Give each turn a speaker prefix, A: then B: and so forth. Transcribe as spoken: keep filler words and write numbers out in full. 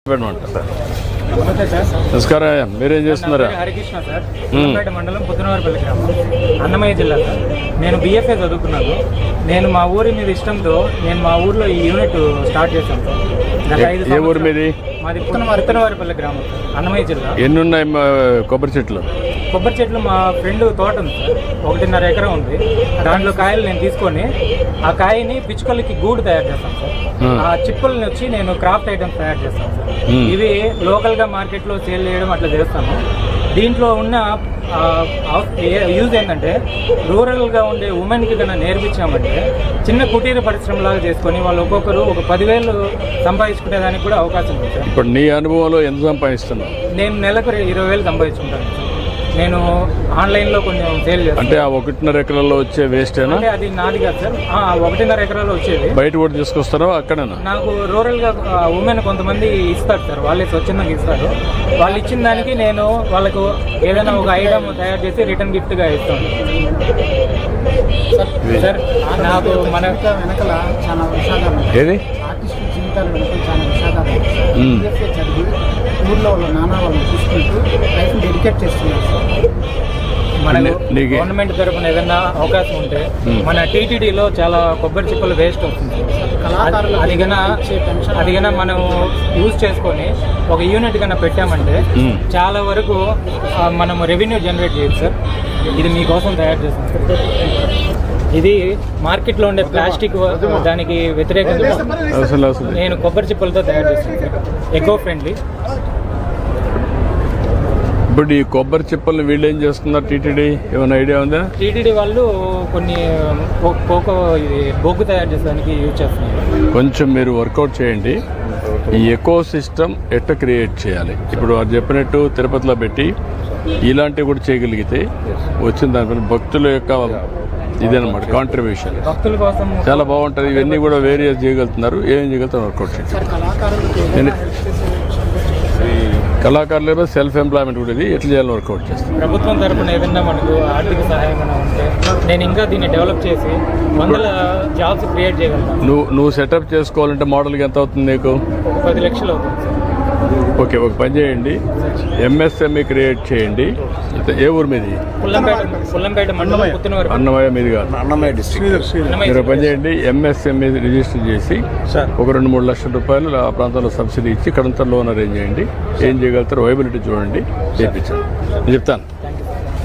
A: నమస్కారం, మీరేం చేస్తున్నారా?
B: హరికృష్ణ సార్, పుల్లంపేట మండలం పుత్తనవారిపల్లి గ్రామం, అన్నమయ్య జిల్లా సార్. నేను బీఎఫ్ఏ చదువుకున్నాను. నేను మా ఊరి మీద ఇష్టంతో నేను మా ఊర్లో ఈ యూనిట్ స్టార్ట్ చేశాను సార్. గత ఐదు
A: ఏ ఊరి మీది?
B: మాది పుత్తనవారిపల్లి గ్రామం సార్, అన్నమయ్య జిల్లా.
A: ఎన్ని ఉన్నాయి కొబ్బరి చెట్లు?
B: కొబ్బరి చెట్లు మా ఫ్రెండ్ తోట ఉంది సార్, ఒకటిన్నర ఎకరం ఉంది. దాంట్లో కాయలు నేను తీసుకొని ఆ కాయని పిచ్చుకలకి గూడు తయారు చేస్తాను సార్. ఆ చిప్పుల్ని వచ్చి నేను క్రాఫ్ట్ ఐటమ్స్ తయారు చేస్తాను సార్. ఇవి లోకల్గా మార్కెట్లో సేల్ చేయడం అట్లా చేస్తాను. దీంట్లో ఉన్న యూజ్ ఏంటంటే రూరల్గా ఉండే ఉమెన్కి కన్నా నేర్పించామంటే చిన్న కుటీర పరిశ్రమలాగా చేసుకొని వాళ్ళు ఒక్కొక్కరు ఒక పదివేలు సంపాదించుకునేదానికి కూడా అవకాశం ఉంది సార్.
A: ఇప్పుడు నీ అనుభవంలో ఎంత సంపాదిస్తున్నావు?
B: నేను నెలకు ఇరవై వేలు సంపాదించుకుంటాను సార్. నేను ఆన్లైన్లో కొంచెం సేల్ చేస్తాను.
A: అంటే ఆ ఒకటిన్నర ఎకరాల్లో వచ్చే వేస్టేనా?
B: అంటే అది నాది కాదు సార్, ఒకటిన్నర ఎకరాల్లో వచ్చేది.
A: బయట కూడా తీసుకొస్తారో అక్కడేనా?
B: నాకు రూరల్గా ఉమెన్ కొంతమంది ఇస్తారు సార్, వాళ్ళే స్వచ్ఛందంగా ఇస్తారు. వాళ్ళు ఇచ్చిన దానికి నేను వాళ్ళకు ఏదైనా ఒక ఐటమ్ తయారు చేసి రిటర్న్ గిఫ్ట్గా ఇస్తాను సార్. నాకు మన వెనకల చాలా విషాదాలు,
A: ఏది
B: ఆర్టిస్టు జీవితాల వెనక చాలా విషాదాలు చదివి ఊర్లో వాళ్ళ నాన్న వాళ్ళని చూసుకుంటూ లైఫ్ డెడికేట్ చేస్తున్నారు సార్. మన గవర్నమెంట్ తరఫున ఏదైనా అవకాశం ఉంటే మన టీటీడీలో చాలా కొబ్బరి చిప్పలు వేస్ట్ అవుతుంది. అది కన్నా అది కన్నా మనం యూజ్ చేసుకొని ఒక యూనిట్ కన్నా పెట్టామంటే చాలా వరకు మనం రెవెన్యూ జనరేట్ చేయొచ్చు సార్. ఇది మీకోసం తయారు చేస్తాం సార్. ఇది మార్కెట్లో ఉండే ప్లాస్టిక్ దానికి వ్యతిరేకంగా నేను కొబ్బరి చిప్పలతో తయారు చేస్తాను సార్, ఎకో ఫ్రెండ్లీ.
A: ఇప్పుడు ఈ కొబ్బరి చిప్పల్ని వీళ్ళు ఏం చేస్తున్నారు? టీటీడీ ఏమైనా ఐడియా ఉందా?
B: టీటీడీ వాళ్ళు కొన్ని కోకో ఇది బొగ్గు తయారు చేసేదానికి యూజ్ చేస్తున్నారు.
A: కొంచెం మీరు వర్కౌట్ చేయండి. ఈ ఎకో సిస్టమ్ ఎట్లా క్రియేట్ చేయాలి? ఇప్పుడు వారు చెప్పినట్టు తిరుపతిలో పెట్టి ఇలాంటివి కూడా చేయగలిగితే వచ్చిన దానిపైన భక్తుల యొక్క ఇదన్నమాట కాంట్రిబ్యూషన్
B: భక్తుల కోసం
A: చాలా బాగుంటుంది. ఇవన్నీ కూడా వేరియస్ చేయగలుగుతున్నారు. ఏం చేయగలుగుతారు వర్కౌట్ చేయండి. కళాకారులు సెల్ఫ్ ఎంప్లాయ్మెంట్ కూడా ఇది ఎట్లా చేయాలని వర్కౌట్ చేస్తాను.
B: ప్రభుత్వం తరఫున ఏదైనా మనకు ఆర్థిక సహాయం ఉంటే నేను ఇంకా దీన్ని డెవలప్ చేసి వందల జాబ్స్ క్రియేట్ చేయగలుగుతాను.
A: నువ్వు నువ్వు సెటప్ చేసుకోవాలంటే మోడల్కి ఎంత అవుతుంది నీకు?
B: ఒక పది లక్షలు అవుతుంది సార్.
A: ఓకే, ఒక పని చేయండి, ఎంఎస్ఎంఈ క్రియేట్ చేయండి. ఏ ఊరు మీది?
B: పుల్లంపేట పుల్లంపేట మండలం పుత్తనవారి.
A: అన్నమయ్య మీది కాదు, అన్నమయ్య డిస్ట్రిక్ట్. మీరు పని చేయండి, ఎంఎస్ఎంఈ రిజిస్టర్ చేసి ఒక రెండు మూడు లక్షల రూపాయలు ఆ ప్రాంతంలో సబ్సిడీ ఇచ్చి ఇక్కడంతా లోన్ అరేంజ్ చేయండి. ఏం చేయగలుగుతారు వైబిలిటీ చూడండి, చేయించండి. నేను చెప్తాను.